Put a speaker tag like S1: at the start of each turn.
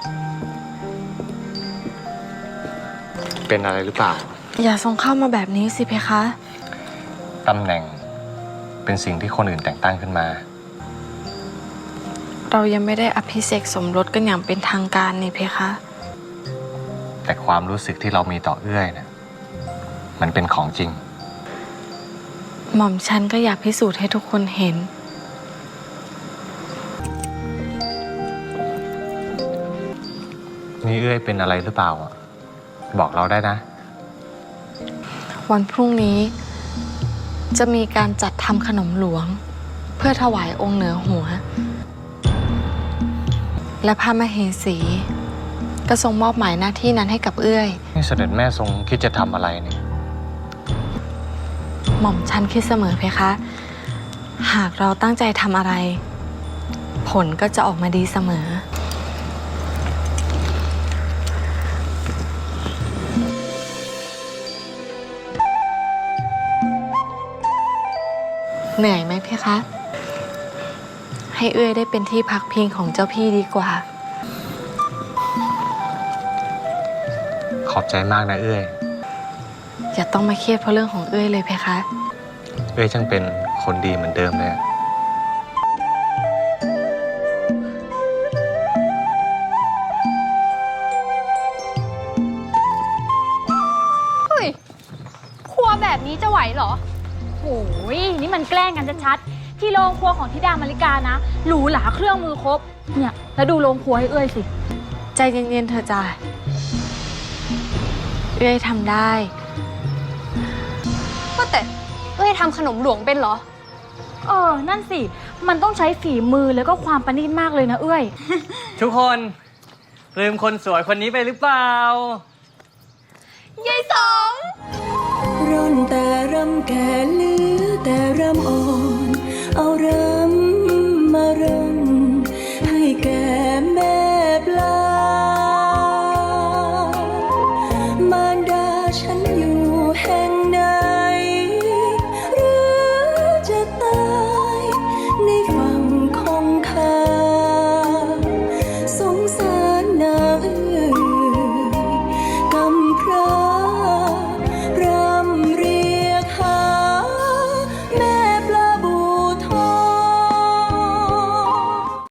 S1: เป็นอะไรหรือเปล่า
S2: อย่าส่งเข้ามาแบบนี้สิเพคะ
S1: ตำแหน่งเป็นสิ่งที่คนอื่นแต่งตั้งขึ้นมา
S2: เรายังไม่ได้อภิเษกสมรสกันอย่างเป็นทางการนี่เพคะ
S1: แต่ความรู้สึกที่เรามีต่อเอื้อยนะมันเป็นของจริง
S2: หม่อมฉันก็อยากพิสูจน์ให้ทุกคนเห็น
S1: นี่เอื้อยเป็นอะไรหรือเปล่าบอกเราได้นะ
S2: วันพรุ่งนี้จะมีการจัดทำขนมหลวงเพื่อถวายองค์เหนือหัวและพระมเหสีก็ทรงมอบหมายหน้าที่นั้นให้กับเอื้อย
S1: นี่เสด็จแม่ทรงคิดจะทำอะไรเนี่ย
S2: หม่อมฉันคิดเสมอเพคะหากเราตั้งใจทำอะไรผลก็จะออกมาดีเสมอเหนื่อยไหมเพคะให้เอื้อยได้เป็นที่พักพิงของเจ้าพี่ดีกว่า
S1: ขอบใจมากนะเอื้อย
S2: อย่าต้องมาเครียดเพราะเรื่องของเอื้อยเลยเพคะ
S1: เอื้อยช่างเป็นคนดีเหมือนเดิมเลย
S3: เฮ้ยครัวแบบนี้จะไหวเหรอโอ้ยนี่มันแกล้งกันชัดๆที่โรงครัวของธิดามาริกานะหรูหราเครื่องมือครบเนี่ยแล้วดูโรงครัวให้เอ้ยสิ
S2: ใจเย็นๆเธอจ้ะเอื้อยทำได้
S3: ก็แต่เอ้ยทำขนมหลวงเป็นเหรอนั่นสิมันต้องใช้ฝีมือแล้วก็ความประณีตมากเลยนะเอ้ย
S4: ทุกคนลืมคนสวยคนนี้ไปหรือเปล่าย
S3: ายสอง
S5: ร่อนแต่รำแก่เหลือแต่รำอ่อนเอารำมารำให้แก่แม่ปลามารดาฉันอยู่แห่ง